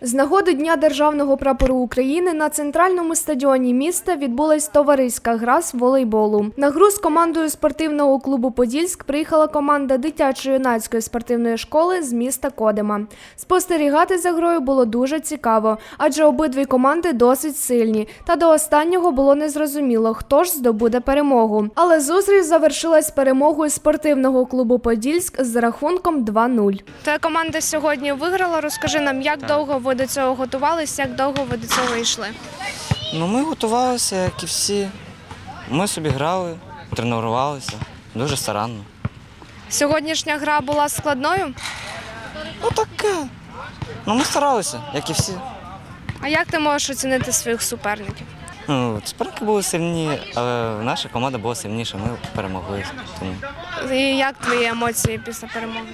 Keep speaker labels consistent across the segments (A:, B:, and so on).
A: З нагоди Дня Державного прапору України на центральному стадіоні міста відбулась товариська гра з волейболу. На гру з командою спортивного клубу «Подільськ» приїхала команда дитячо-юнацької спортивної школи з міста Кодима. Спостерігати за грою було дуже цікаво, адже обидві команди досить сильні, та до останнього було незрозуміло, хто ж здобуде перемогу. Але зустріч завершилась перемогою спортивного клубу «Подільськ» з рахунком 2-0. Твоя команда сьогодні виграла. Розкажи нам, як довго ви до цього готувалися, як довго ви до цього йшли?
B: Ми готувалися, як і всі. Ми собі грали, тренувалися дуже старанно.
A: Сьогоднішня гра була складною?
B: Таке. Ми старалися, як і всі.
A: А як ти можеш оцінити своїх суперників?
B: Суперники були сильні, але наша команда була сильніша, ми перемогли. Тому
A: І як твої емоції після перемоги?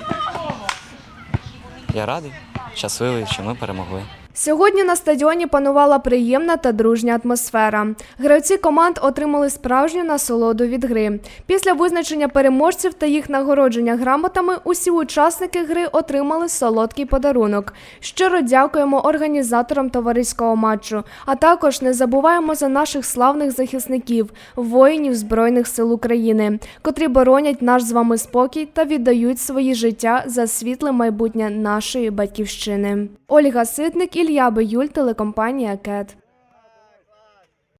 B: я радий, щасливий, що ми перемогли.
A: Сьогодні на стадіоні панувала приємна та дружня атмосфера. Гравці команд отримали справжню насолоду від гри. Після визначення переможців та їх нагородження грамотами усі учасники гри отримали солодкий подарунок. Щиро дякуємо організаторам товариського матчу, а також не забуваємо за наших славних захисників, воїнів Збройних сил України, котрі боронять наш з вами спокій та віддають свої життя за світле майбутнє нашої батьківщини. Ольга Ситник, Ілля Биюль, телекомпанія КЕТ.